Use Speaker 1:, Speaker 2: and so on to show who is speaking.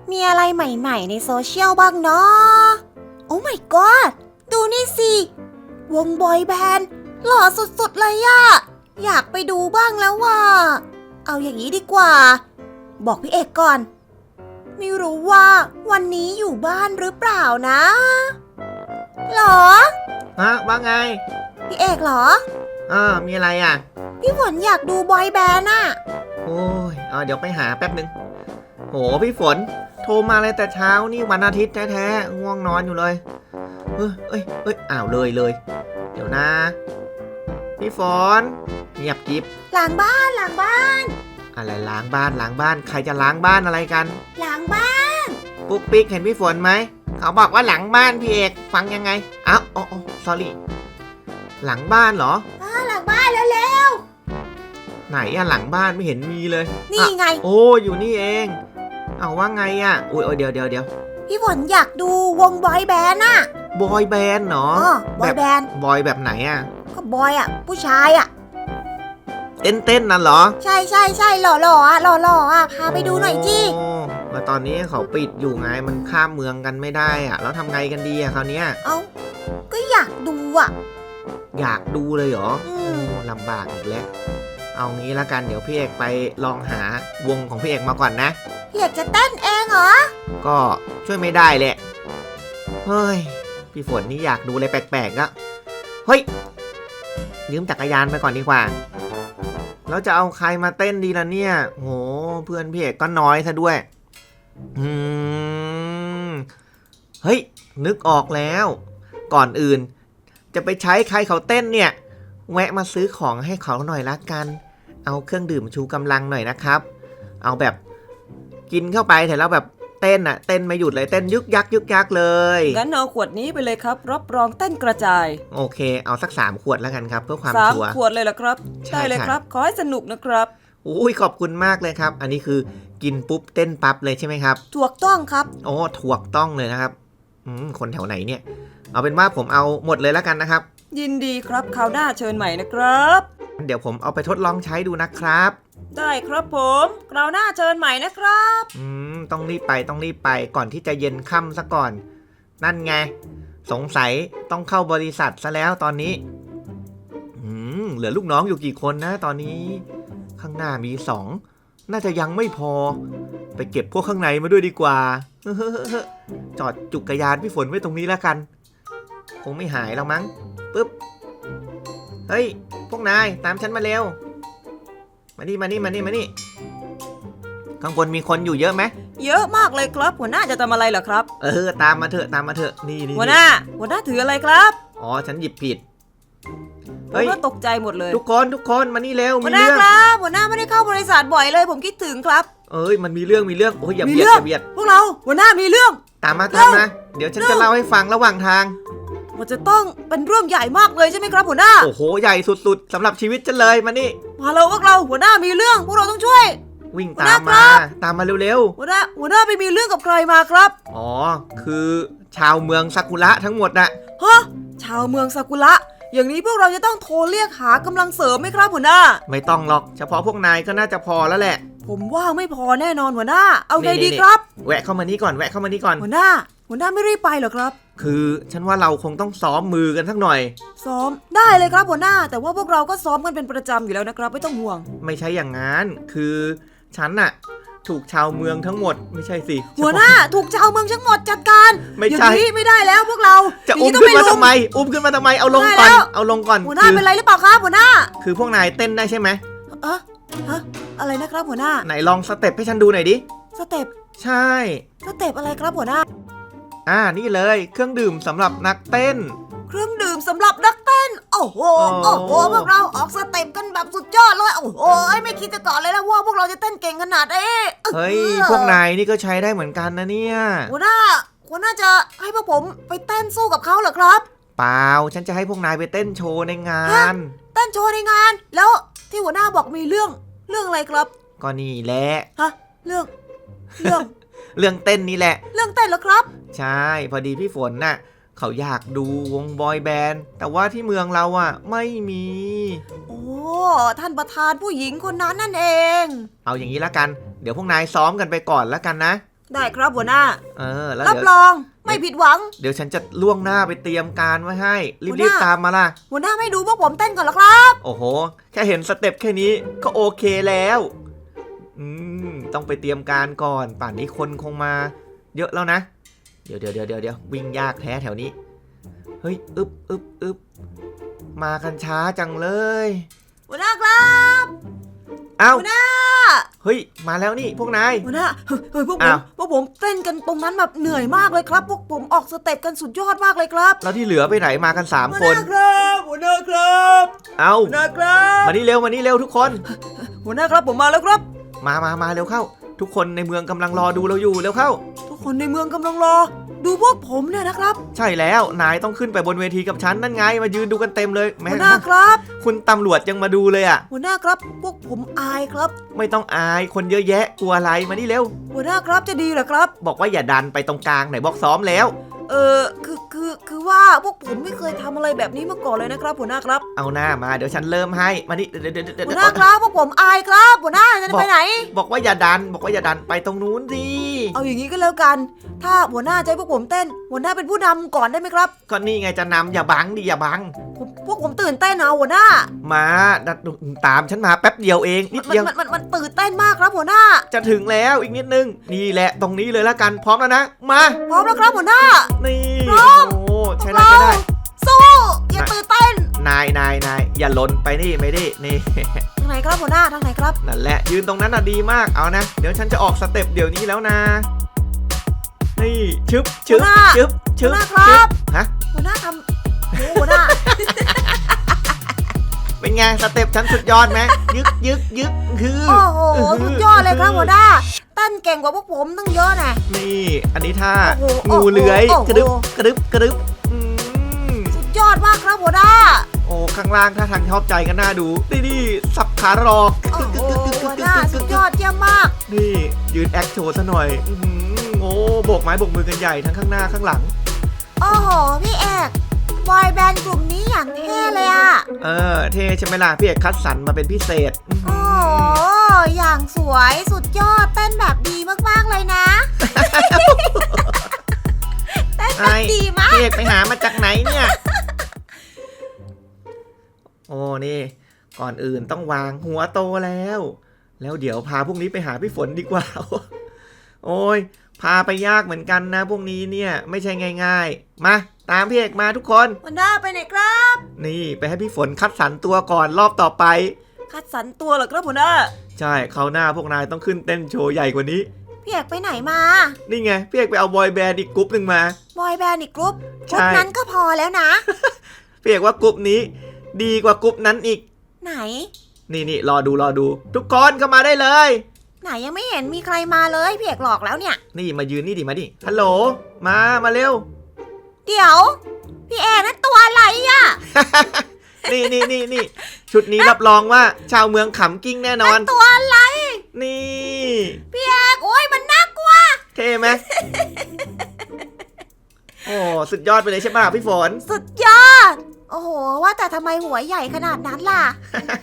Speaker 1: มีอะไรใหม่ๆในโซเชียลบ้างเนาะโอ้ my god ดูนี่สิ วงบอยแบนด์หล่อสุดๆเลยอะอยากไปดูบ้างแล้วว่ะเอาอย่างนี้ดีกว่า บอกพี่เอกก่อน ไม่รู้ว่าวันนี้อยู่บ้านหรือเปล่านะหรอ
Speaker 2: ว่าไง
Speaker 1: พี่เอกเหรอ
Speaker 2: มีอะไรอ่ะ
Speaker 1: พี่ฝนอยากดูบอยแบนด์อะ
Speaker 2: โอ้ยเดี๋ยวไปหาแป๊บนึงโหพี่ฝนโทรมาเลยแต่เช้านี่วันอาทิตย์แท้ๆง่วงนอนอยู่เลยอ้าวเลยเดี๋ยวนะพี่ฝนเงียบกิ๊บ
Speaker 1: ล้างบ้าน
Speaker 2: อะไรล้างบ้านใครจะล้างบ้านอะไรกัน
Speaker 1: ล้างบ้าน
Speaker 2: ปุ๊กปิ๊กเห็นพี่ฝนไหมเขาบอกว่าหลังบ้านพี่เอกฟังยังไงอ้าวsorry หลังบ้านเหรอ
Speaker 1: หลังบ้านเร็ว
Speaker 2: ไหนอะหลังบ้านไม่เห็นมีเลย
Speaker 1: นี่ไง
Speaker 2: โอ้อยู่นี่เองเอาว่าไงอะโอ้ยเดี๋ยว
Speaker 1: พี่ฝนอยากดูวงบอยแบนด์อะ
Speaker 2: บอยแบนด์เหร
Speaker 1: บอยแบนด์
Speaker 2: บอยแบบไหนอะ
Speaker 1: ก็บอยอะผู้ชายอะ
Speaker 2: เต้นนั่นเหรอ
Speaker 1: ใช่หล่ออะพาไปดูหน่อยจี
Speaker 2: มาตอนนี้เขาปิดอยู่ไงมันข้ามเมืองกันไม่ได้อะแล้วทำไงกันดีอะคราวเนี้ย
Speaker 1: ก็อยากดูอะ
Speaker 2: อยากดูเลยเหรอลำบากอีกแล้วเอางี้ละกันเดี๋ยวพี่เอกไปลองหาวงของพี่เอกมาก่อนนะ
Speaker 1: พี่เอกจะเต้นเองเหรอ
Speaker 2: ก็ช่วยไม่ได้แหละเฮ้ยพี่ฝนนี่อยากดูอะไรแปลกๆก็เฮ้ยยืมจักรยานไปก่อนดีกว่าแล้วจะเอาใครมาเต้นดีล่ะเนี่ยโหเพื่อนพี่เอกก็น้อยซะด้วยเฮ้ยนึกออกแล้วก่อนอื่นจะไปใช้ใครเขาเต้นเนี่ยแวะมาซื้อของให้เขาหน่อยละกันเอาเครื่องดื่มชูกำลังหน่อยนะครับเอาแบบกินเข้าไปแต่แล้วแบบเต้นไม่หยุดเลยเต้นยึกยักเลย
Speaker 3: งั้นเอาขวดนี้ไปเลยครับรับรองเต้นกระจาย
Speaker 2: โอเคเอาสัก3 ขวดแล้วกันครับเพื่อความชัวร์
Speaker 3: 3 ขวดเลยเหรอครับได้เลยครับขอให้สนุกนะครับ
Speaker 2: อุ้ยขอบคุณมากเลยครับอันนี้คือกินปุ๊บเต้นปั๊บเลยใช่ไหมครับ
Speaker 1: ถูกต้องครับ
Speaker 2: โอ้ถูกต้องเลยนะครับคนแถวไหนเนี่ยเอาเป็นว่าผมเอาหมดเลยแล้วกันนะครับ
Speaker 3: ยินดีครับคราวหน้าเชิญใหม่นะครับ
Speaker 2: เดี๋ยวผมเอาไปทดลองใช้ดูนะครับ
Speaker 3: ได้ครับผมคราวหน้าเชิญใหม่นะครับ
Speaker 2: ต้องรีบไปก่อนที่จะเย็นค่ำซะก่อนนั่นไงสงสัยต้องเข้าบริษัทซะแล้วตอนนี้เหลือลูกน้องอยู่กี่คนนะตอนนี้ข้างหน้ามี2น่าจะยังไม่พอไปเก็บพวกข้างในมาด้วยดีกว่าจอดจักรยานพี่ฝนไว้ตรงนี้แล้วกันคงไม่หายแล้วมั้งปึ๊บเฮ้ยพวกนายตามฉันมาเร็วมานี่ข้างบนมีคนอยู่เยอะไหม
Speaker 3: เยอะมากเลยครับหัวหน้าจะทำอะไรเหรอครับ
Speaker 2: ตามมาเถอะนี่
Speaker 3: หัวหน้าถืออะไรครับ
Speaker 2: อ๋อฉันหยิบผิด
Speaker 3: ผมก็ตกใจหมดเลย
Speaker 2: ทุกคนมานี่เร็ว
Speaker 1: มีเรื่องครับหัวหน้าไม่ได้เข้าบริษัทบ่อยเลยผมคิดถึงครับ
Speaker 2: มันมีเรื่องโอ้ยอย่าเบียด
Speaker 1: พวกเราหัวหน้ามีเรื่อง
Speaker 2: ตามมาเดี๋ยวฉันจะเล่าให้ฟังระหว่างทาง
Speaker 1: มันจะต้องเป็นเรื่องใหญ่มากเลยใช่ไหมครับหัวหน้า
Speaker 2: โอ้โหใหญ่สุดๆสำหรับชีวิตฉันเลยมานี่
Speaker 1: มาเลยพวกเราหัวหน้ามีเรื่องพวกเราต้องช่วย
Speaker 2: วิ่งตามมาเร็ว
Speaker 1: ๆหัวหน้าไปมีเรื่องกับใครมาครับ
Speaker 2: อ๋อคือชาวเมืองซากุระทั้งหมดน่ะ
Speaker 1: ชาวเมืองซากุระอย่างนี้พวกเราจะต้องโทรเรียกหากำลังเสริมไหมครับหัวหน้า
Speaker 2: ไม่ต้องหรอกเฉพาะพวกนายก็น่าจะพอแล้วแหละ
Speaker 1: ผมว่าไม่พอแน่นอนหัวหน้าเอาไงดีครับ
Speaker 2: แวะเข้ามานี่ก่อน
Speaker 1: หัวหน้าไม่รีบไปเหรอครับ
Speaker 2: คือฉันว่าเราคงต้องซ้อมมือกันสักหน่อย
Speaker 1: ซ้อมได้เลยครับหัวหน้าแต่ว่าพวกเราก็ซ้อมกันเป็นประจำอยู่แล้วนะครับไม่ต้องห่วง
Speaker 2: ไม่ใช่อย่างนั้นคือฉันน่ะถูกชาวเมืองทั้งหมดไม่ใช่สิ
Speaker 1: หัวหน้าถูกชาวเมืองทั้งหมดจัดการ
Speaker 2: ไม่ใช่
Speaker 1: ไม่ได้แล้วพวกเรา
Speaker 2: จะอุ้มขึ้นมาทำไมเอาลงก่อน
Speaker 1: หัวหน้าเป็นไรหรือเปล่าครับหัวหน้า
Speaker 2: คือพวกนายเต้นได้ใช่ไหม
Speaker 1: อะไรนะครับหัวหน้า
Speaker 2: ไหนลองสเต็ปให้ฉันดูหน่อยดิ
Speaker 1: สเต็ป
Speaker 2: ใช่
Speaker 1: สเต็ปอะไรครับหัวหน้า
Speaker 2: นี่เลยเครื่องดื่มสำหรับนักเต้น
Speaker 1: เครื่องดื่มสำหรับนักเต้นโอ้โหพวกเราออกสเต็ปกันแบบสุดยอดเลยโอ้โหไม่คิดจะก่อนเลยนะว่าพวกเราจะเต้นเก่งขนาดนี้
Speaker 2: เฮ้ยพวกนายนี่ก็ใช้ได้เหมือนกันนะเนี่ย
Speaker 1: หัวหน้าจะให้พวกผมไปเต้นสู้กับเขาเหรอครับ
Speaker 2: เปล่าฉันจะให้พวกนายไปเต้นโชว์ในงาน
Speaker 1: เต้นโชว์ในงานแล้วที่หัวหน้าบอกมีเรื่องอะไรครับ
Speaker 2: ก็นี่แหละ
Speaker 1: เรื่อง
Speaker 2: เต้นนี่แหละ
Speaker 1: เรื่องเต้นเหรอครับ
Speaker 2: ใช่พอดีพี่ฝนน่ะเขาอยากดูวงบอยแบนด์แต่ว่าที่เมืองเราไม่มี
Speaker 1: โอ้ท่านประธานผู้หญิงคนนั้นนั่นเอง
Speaker 2: เอาอย่างนี้ละกันเดี๋ยวพวกนายซ้อมกันไปก่อนละกันนะ
Speaker 3: ได้ครับหัวหน้า
Speaker 2: แล้ว
Speaker 3: รับ
Speaker 2: เดี๋ยว
Speaker 3: รองไม่ผิดหวัง
Speaker 2: เดี๋ยวฉันจะล่วงหน้าไปเตรียมการไว้ให้
Speaker 3: หัวห
Speaker 2: รีบ
Speaker 3: น้า
Speaker 2: ๆตามมาล่ะ
Speaker 3: หัวหน้าไม่ดูพวกผมเต้นก่อนเหรอครับ
Speaker 2: โอ้โห แค่เห็นสเต็ปแค่นี้ก็โอเคแล้ว ต้องไปเตรียมการก่อน ป่านนี้คนคงมา เยอะแล้วนะ เดี๋ยววิ่งยากแท้แถวนี้ เฮ้ย อึบมากันช้าจังเลย
Speaker 3: หัวหน้าครับ
Speaker 2: เอ้า
Speaker 3: หัวหน้า
Speaker 2: เฮ้ย มาแล้วนี่พวกนาย
Speaker 3: หัวหน้าเฮ้ยพวกผ
Speaker 2: อ้าม ว
Speaker 3: พวกผมเต้นกันตรงนั้นแบบเหนื่อยมากเลยครับ พวกผมออกสเต็ปกันสุดยอดมากเลยครับ
Speaker 2: แล้วที่เหลือไปไหนมากัน3
Speaker 3: หัว
Speaker 2: ค
Speaker 3: ห
Speaker 2: น
Speaker 3: น้าครับหัวหน้าครับ
Speaker 2: เอ้า
Speaker 3: หัวหน้าครับ
Speaker 2: มานี่เร็วทุกคน
Speaker 3: หัวหน้าครับผมมาแล้วครับ
Speaker 2: มาเร็วเข้า ทุกคนในเมืองกำลังรอดูเราอยู่เร็วเข้า
Speaker 3: ทุกคนในเมืองกำลังรอ ดูพวกผมเนี่ยนะครับ
Speaker 2: ใช่แล้ว นายต้องขึ้นไปบนเวทีกับฉันนั่นไง มายืนดูกันเต็มเลยแม้
Speaker 3: หัวหน้าครับ
Speaker 2: คุณตำรวจยังมาดูเลยอ่ะ
Speaker 3: หัวหน้าครับพวกผมอายครับ
Speaker 2: ไม่ต้องอายคนเยอะแยะกลัวอะไรมานี่เร็ว
Speaker 3: หัวหน้าครับจะดีเหรอครับ
Speaker 2: บอกว่าอย่าดันไปตรงกลางไหนบอกซ้อมแล้ว
Speaker 3: คือว่าพวกผมไม่เคยทำอะไรแบบนี้มาก่อนเลยนะครับหัวหน้าครับ
Speaker 2: เอาหน้ามาเดี๋ยวฉันเริ่มให้มานี่เดี๋ยว
Speaker 3: หัวหน้าครับพวกผมอายครับหัวหน้าจะไปไหน
Speaker 2: บอกว่าอย่าดันไปตรงนู้นสิ
Speaker 3: เอาอย่างนี้ก็แล้วกัน ถ้าหัวหน้าจะให้พวกผมเต้น หัวหน้าเป็นผู้นำก่อนได้ไหมครับ
Speaker 2: ก็นี่ไงจะนำอย่าบังดิอย่าบัง
Speaker 3: พวกผมตื่นเต้นเอาหัวหน้า
Speaker 2: มาตามฉันมาแป๊บเดียวเองนิดเดียว
Speaker 3: มันตื่นเต้นมากครับหัวหน้า
Speaker 2: จะถึงแล้วอีกนิดนึงนี่แหละตรงนี้เลยละกันพร้อมแล้วนะมา
Speaker 3: พร้อมแล้วครับหัวหน้า
Speaker 2: นี่
Speaker 3: พร้อม
Speaker 2: โอ้ใช่ได้
Speaker 3: สู้อย่าตื่นเต้น
Speaker 2: นายอย่าหล่นไปนี่ไม่ได้นี่
Speaker 3: ทางไหนครับหัวหน้าทางไหนครับ
Speaker 2: นั่นแหละยืนตรงนั้นน่ะดีมากเอานะเดี๋ยวฉันจะออกสเต็ปเดี๋ยวนี้แล้วนะนี่ชึบ
Speaker 3: หัวหน้า หัวหน้าครับ
Speaker 2: ฮะ
Speaker 3: หัวหน้าทำโอ้หัวหน้า
Speaker 2: เป็นไงสเต็ปฉันสุดยอดไหมยึกคือ
Speaker 3: โอ้โหสุดยอดเลยครับหัวหน้าเต้นเก่งกว่าพวกผมตั้งเยอะนะ
Speaker 2: นี่อันนี้ท่า
Speaker 3: โอ้โห
Speaker 2: งูเลื้อย
Speaker 3: โอ้โห
Speaker 2: กระดึบอืม
Speaker 3: สุดยอดมากครับหัวหน้า
Speaker 2: โอ้ข้างล่างถ้าทางชอบใจกันน่าดูนี่สับขาหลอก
Speaker 3: โอ้โหหัวหน้าสุดยอดเยี่ยมมาก
Speaker 2: นี่ยืนแอคโชว์ซะหน่อยโอ้โบกไม้โบกมือกันใหญ่ทั้งข้างหน้าข้างหลัง
Speaker 1: โอ้โห พี่เอกบอยแบนด์กลุ่มนี้อย่างเท่เลยอะ
Speaker 2: เท่ใช่ไหมล่ะพี่เอกคัดสรรมาเป็นพิเศษ
Speaker 1: โอ้โห อย่างสวยสุดยอดเต้นแบบดีมากๆเลยนะ เต้นแบบดีมาก
Speaker 2: พี่เอกไปหามาจากไหนเนี่ย โอ้นี่ ก่อนอื่นต้องวางหัวโตแล้ว แล้วเดี๋ยวพาพวกนี้ไปหาพี่ฝนดีกว่า โอ้ยพาไปยากเหมือนกันนะพวกนี้เนี่ยไม่ใช่ง่ายๆมาตามพี่เอกมาทุกคน
Speaker 3: หัวหน้าไปไหนครับ
Speaker 2: นี่ไปให้พี่ฝนคัดสรรตัวก่อนรอบต่อไป
Speaker 3: คัดสรรตัวเหรอครับหัวหน้า
Speaker 2: ใช่คราวหน้าพวกนายต้องขึ้นเต้นโชว์ใหญ่กว่านี้
Speaker 1: พี่เอกไปไหนมา
Speaker 2: นี่ไงพี่เอกไปเอาบอยแบนด์อีกกรุ๊ปหนึ่งมา
Speaker 1: บอยแบนด์อีกกรุ๊ป
Speaker 2: ใช่
Speaker 1: กรุ๊ปนั้นก็พอแล้วนะ
Speaker 2: พี่เอกว่ากรุ๊ปนี้ ดีกว่ากรุ๊ปนั้นอีก
Speaker 1: ไหน
Speaker 2: นี่รอดู ทุกคนเข้ามาได้เลย
Speaker 1: ไหนยังไม่เห็นมีใครมาเลยพี่เอกหลอกแล้วเนี่ย
Speaker 2: นี่มายืนนี่ดิมาดิฮัลโหลมาเร็ว
Speaker 1: เดี๋ยว พี่เอกนั่นตัวอะไรอะ
Speaker 2: นี่ชุดนี้รับรองว่าชาวเมืองขำกิ้งแน่นอน
Speaker 1: นั่นตัวอะไร
Speaker 2: นี่
Speaker 1: พี่เอกโอ้ยมันน่ากลัว
Speaker 2: เท่ไหม โอ้สุดยอดไปเลยใช่ป่ะพี่ฝน
Speaker 1: สุดยอด โอ้โห ว่าแต่ทำไมหัวใหญ่ขนาดนั้นล่ะ